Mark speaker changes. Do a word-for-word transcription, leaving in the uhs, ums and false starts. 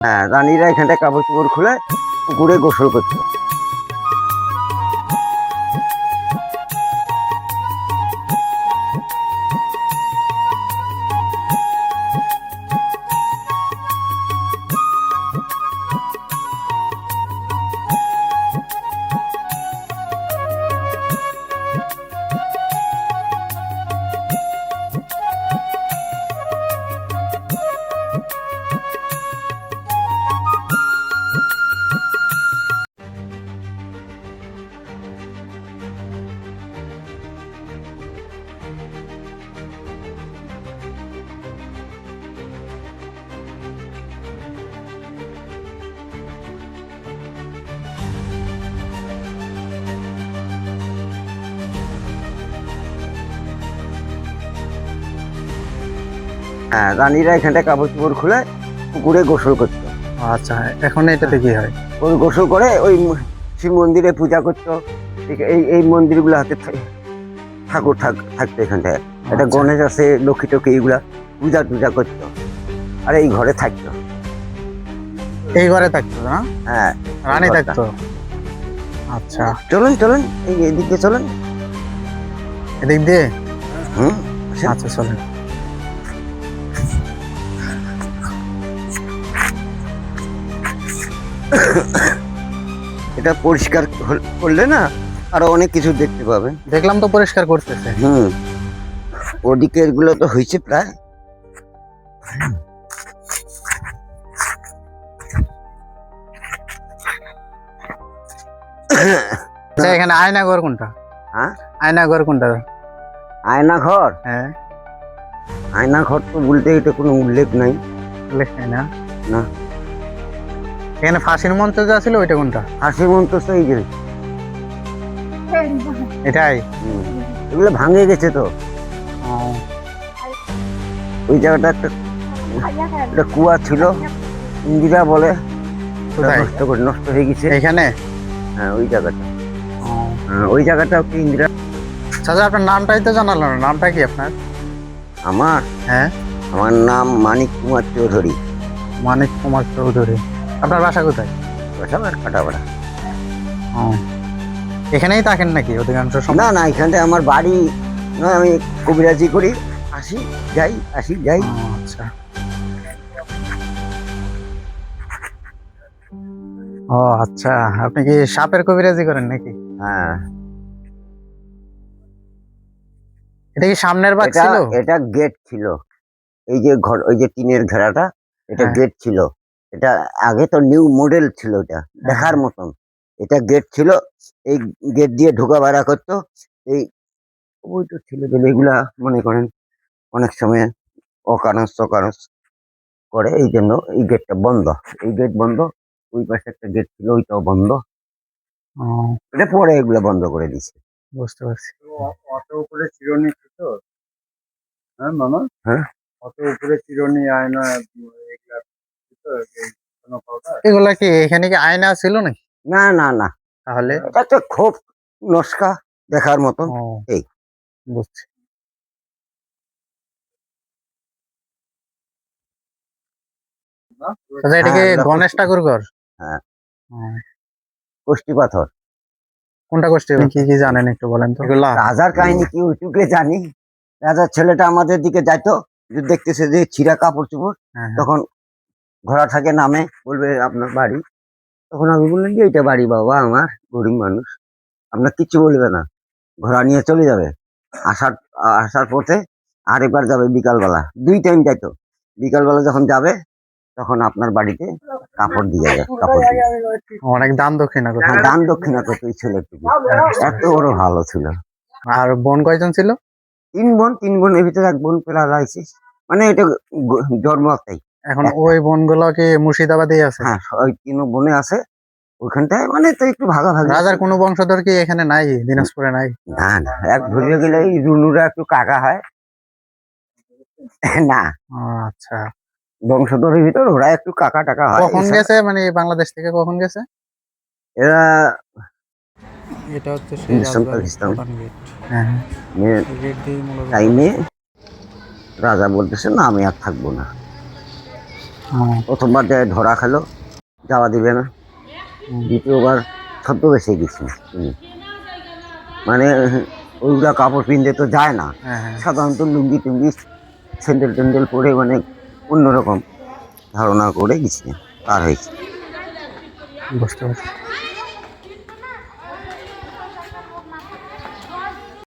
Speaker 1: হ্যাঁ, রানীরা এখানটায় কাপড় চোপড় খুলে পুকুরে গোসল করতো। হ্যাঁ, রানীরা এখানটায় কাপড় চোপড় খুলে পুকুরে গোসল করতো।
Speaker 2: আচ্ছা, এখন এটাতে কি হয়?
Speaker 1: ওই গোসল করে ওই শিব মন্দিরে পূজা করতো। এই এই মন্দিরগুলো হাতে ঠাকুর থাকতো এখানটায়। একটা গণেশ আছে, লক্ষ্মী টক্ষ্মী, এইগুলা পূজা টুজা করতো। আর এই ঘরে থাকতো।
Speaker 2: এই ঘরে থাকতো না?
Speaker 1: হ্যাঁ,
Speaker 2: রানী থাকতো। আচ্ছা,
Speaker 1: চলুন চলুন এই এদিকে চলুন।
Speaker 2: এদিক দিয়ে?
Speaker 1: হুম,
Speaker 2: আচ্ছা চলুন।
Speaker 1: এটা পরিষ্কার করলে না আরো অনেক কিছু দেখতে পাবেন।
Speaker 2: দেখলাম তো পরিষ্কার করতেছে।
Speaker 1: হুম, ওদিকে এগুলো তো হয়েছে প্রায়।
Speaker 2: আচ্ছা, এখানে আয়না ঘর কোনটা?
Speaker 1: হ্যাঁ,
Speaker 2: আয়না ঘর কোনটা?
Speaker 1: আয়না ঘর?
Speaker 2: হ্যাঁ,
Speaker 1: আয়না ঘর তো বলতে এটা কোনো উল্লেখ নাই।
Speaker 2: উল্লেখ নাই না?
Speaker 1: না।
Speaker 2: এখানে ফাঁসির মঞ্চ যা ছিল ওইটা কোনটা?
Speaker 1: ফাঁসির মঞ্চ তো এই যে
Speaker 2: এটাই।
Speaker 1: এগুলো ভাঙে গেছে তো। ওই জায়গাটা একটা একটা কুয়া ছিল, ইন্দিরা বলে, নষ্ট করে নষ্ট হয়ে গেছে
Speaker 2: এখানে।
Speaker 1: হ্যাঁ, ওই জায়গাটা। হ্যাঁ, ওই জায়গাটা কি ইন্দিরা।
Speaker 2: চাচা, আপনার নামটাই তো জানালো না। নামটা কি আপনার?
Speaker 1: আমার?
Speaker 2: হ্যাঁ,
Speaker 1: আমার নাম মানিক কুমার চৌধুরী।
Speaker 2: মানিক কুমার চৌধুরী। আপনার বাসা কোথায়?
Speaker 1: বাসা কাটাপাড়া।
Speaker 2: এখানেই থাকেন নাকি অধিকাংশ সময়?
Speaker 1: না না, এখানটায় আমার বাড়ি না, আমি কবিরাজি করি, আসি যাই আসি যাই।
Speaker 2: আচ্ছা। ও আচ্ছা, আপনি কি সাপের কবিরাজি করেন নাকি?
Speaker 1: হ্যাঁ।
Speaker 2: এটা কি সামনের বাগ ছিল?
Speaker 1: এটা গেট ছিল। এই যে ঘর, ওই যে টিনের ঘেরাটা, এটা গেট ছিল। এটা আগে তো নিউ মডেল ছিল, এটা দেখার মতন। এটা গেট ছিল, এই গেট দিয়ে ঢোকা বেড়া করতো। এই ওই তো ছিল এগুলা মনে করেন অনেক সময় অকারণ সকারণ করে, এই জন্য এই গেটটা বন্ধ। এই গেট বন্ধ। ওই পাশে একটা গেট ছিল, ওইটাও বন্ধ। এটা পরে এগুলা বন্ধ করে দিছে।
Speaker 2: বুঝতে পারছি।
Speaker 3: অত উপরে চিরুনি ছিল? হ্যাঁ মামা, হ্যাঁ, অত উপরে চিরুনি, আয়না,
Speaker 2: এগুলা কি এখানে কি আয়না ছিল নাকি?
Speaker 1: না না না,
Speaker 2: তাহলে
Speaker 1: এটা তো খুব নস্কা দেখার মতন। এই
Speaker 2: বুঝছি। আচ্ছা, এটা কি গণেশ ঠাকুর ঘর?
Speaker 1: হ্যাঁ, কষ্টি পাথর।
Speaker 2: কোনটা কষ্টি? কি কি জানেন একটু বলেন তো।
Speaker 1: রাজার কাহিনী কি ওইটুকু জানি। রাজার ছেলেটা আমাদের দিকে যাইতো, দেখতেছে যে ছিঁড়া কাপড় চোপড়, তখন ঘোড়া থাকে নামে, বলবে আপনার বাড়ি। তখন আমি বললাম যে এইটা বাড়ি বাবা, আমার গরিব মানুষ, আপনার কিচ্ছু বলবে না, ঘোড়া নিয়ে চলে যাবে। আসার আসার পথে আরেকবার যাবে বিকালবেলা, দুই টাইম যাইতো। বিকালবেলা যখন যাবে তখন আপনার বাড়িতে কাপড় দিয়ে যায়, কাপড় দিয়ে।
Speaker 2: অনেক দান দক্ষিণা করতো।
Speaker 1: দান দক্ষিণা করতো ওই ছেলেটুকু, এত বড় ভালো ছিল।
Speaker 2: আর বোন কয়জন ছিল?
Speaker 1: তিন বোন। তিন বোনের ভিতরে এক বোন পেলা লাইছিস, মানে এটা জন্ম তাই।
Speaker 2: এখন ওই বোনগুলো কি মুর্শিদাবাদে আছে?
Speaker 1: হ্যাঁ, ওই তিন বোনে আছে ওইখানটায়, মানে তো একটু ভাগাভাগি।
Speaker 2: রাজার কোনো বংশধর কি এখানে নাই, দিনাজপুরে নাই?
Speaker 1: না না, এক ধরে গেলে রুনুরা একটু কাকা হয় না।
Speaker 2: আচ্ছা,
Speaker 1: বংশধরের ভিতর ওরা একটু কাকা টাকা হয়।
Speaker 2: কখন গেছে, মানে বাংলাদেশ থেকে কখন গেছে
Speaker 1: এরা?
Speaker 2: এটা হচ্ছে
Speaker 1: টাইমে রাজা বলতেছে না আমি আর থাকবো না।
Speaker 2: হ্যাঁ,
Speaker 1: প্রথমবার যায় ধরা খেলো, যাওয়া দিবে না।
Speaker 2: হুম,
Speaker 1: দ্বিতীয়বার ছদ্মবেশে গেছি তিনি। মানে ওইগুলা কাপড় পিনতে তো যায় না,
Speaker 2: হ্যাঁ, হ্যাঁ,
Speaker 1: সাধারণত লুঙ্গি টুঙ্গি স্যান্ডেল ট্যান্ডেল পরে মানে অন্যরকম ধারণা করে গেছি, পার হয়েছি।
Speaker 2: বুঝতে পারছি।